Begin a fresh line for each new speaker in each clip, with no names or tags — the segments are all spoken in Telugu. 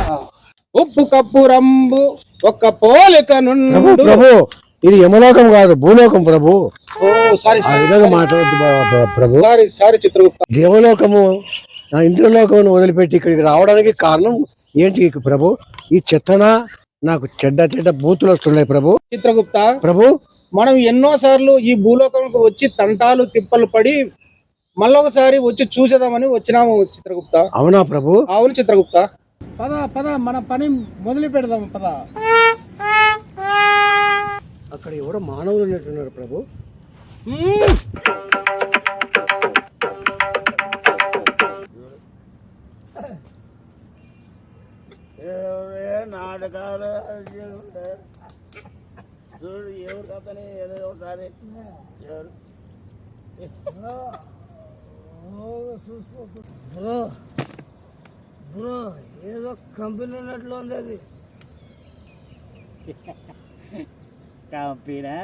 ఉప్పు కప్పు రంబు ఒక్క పోలిక
ప్రభు ప్రభు ఇది యమలోకం కాదు భూలోకం ప్రభు.
సారీ
ఆ విధంగా మాట్లాడద్దు ప్రభు.
సారీ చిత్రగుప్త.
దేవలోకము ఇంద్రలోకమును వదిలిపెట్టి ఇక్కడికి రావడానికి కారణం ఏంటి ప్రభు? ఈ చెత్తన నాకు చెడ్డ చెడ్డ బూతులు వస్తున్నాయి ప్రభు.
చిత్రగుప్త
ప్రభు
మనం ఎన్నో సార్లు ఈ భూలోకంకు వచ్చి తంటాలు తిప్పలు పడి మళ్ళొకసారి వచ్చి చూసేదామని వచ్చినాము చిత్రగుప్త.
అవునా ప్రభు?
అవును చిత్రగుప్త. పద పద మన పని మొదలు పెడదాం పద.
అక్కడ ఎవరో మానవులు ఉన్నట్టున్నారు ప్రభు.
నాటకాలు చూడు ఎవరు కథని ఒకసారి బ్రో బ్రో ఏదో కంపెనీ ఉన్నట్లు ఉంది అది.
Company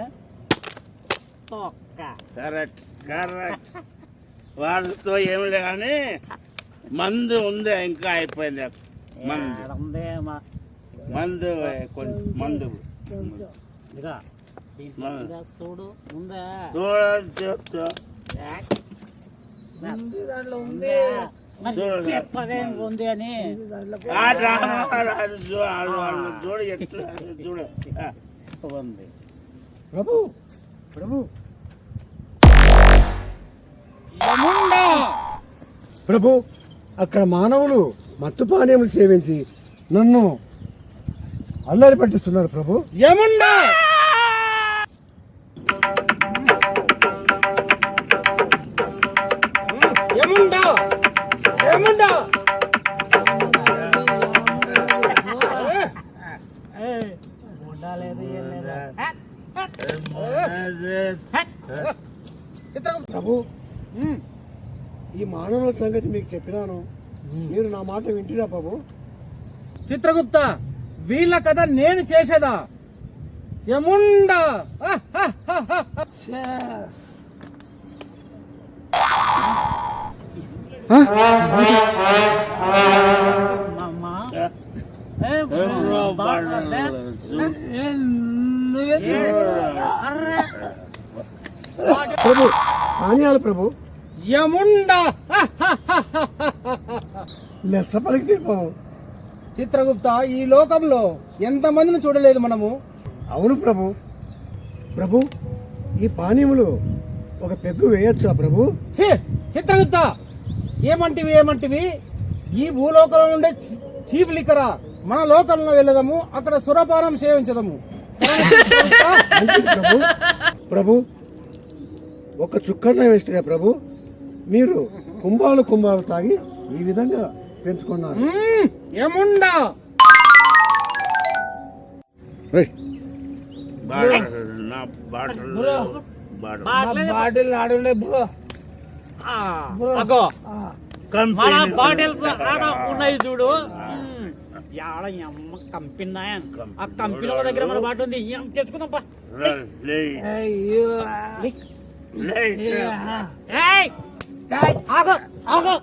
correct correct. వాళ్ళతో ఏమి లే కానీ మందు ఉంది ఇంకా అయిపోయింది. మందు కొంచెం మందు
చూడు ఉందా
దాంట్లో
ఉంది ఉంది అని
చూడు ఎట్లా చూడు
ఉంది
ప్రభు ప్రభు ప్రభు అక్కడ మానవులు మత్తు పానీయములు సేవించి నన్ను అల్లరి పట్టిస్తున్నారు ప్రభు.
యముండా యముండా యముండా
ప్రభు ఈ మానవుల సంగతి మీకు చెప్పినాను, మీరు నా మాట వింటున్నా ప్రభు.
చిత్రగుప్త వీళ్ళ కథ నేను చేసేదా? యముండా
ప్రభు పానీయాలు ప్రభు.
యముండా
లెస్స పలికి ప్రభు.
చిత్రగుప్త ఈ లోకంలో ఎంతమందిని చూడలేదు మనము.
అవును ప్రభు. ప్రభు ఈ పానీయములు ఒక పెగ్గు వేయొచ్చా ప్రభు?
చిత్రగుప్త ఏమంటివి ఈ భూలోకంలో ఉండే చీఫ్ లిక్కరా మన లోకంలో వెళ్ళదాము, అక్కడ సురపానం సేవించదము.
ప్రభు ప్రభు ఒక చుక్కన్న వేస్తే ప్రభు మీరు కుంభాలు తాగి ఈ విధంగా పెంచుకున్నారు.
ఏముండా
బాటిల్ ఆడుండే బ్రో. మన బాటిల్స్ ఆడ ఉన్నాయి చూడు. ఆడ అమ్మ కంపెనీ ఆ కంపెనీ దగ్గర మన బాటిల్ ఉంది, తెచ్చుకుందాం. ఆగో ఆగో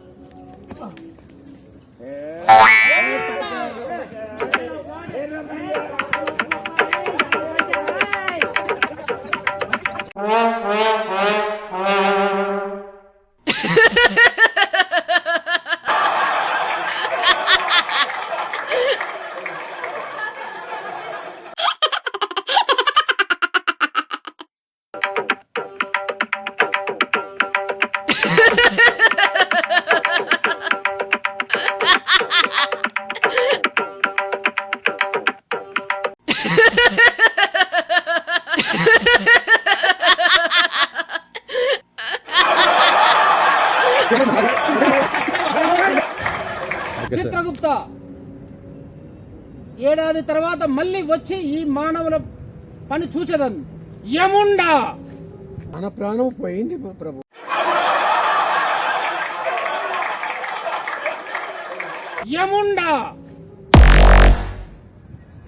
చిత్రగుప్త ఏడాది తర్వాత మళ్ళీ వచ్చి ఈ మానవుల పని చూసేదాన్ని. యముండా
మన ప్రాణం పోయింది ప్రభు.
యముండా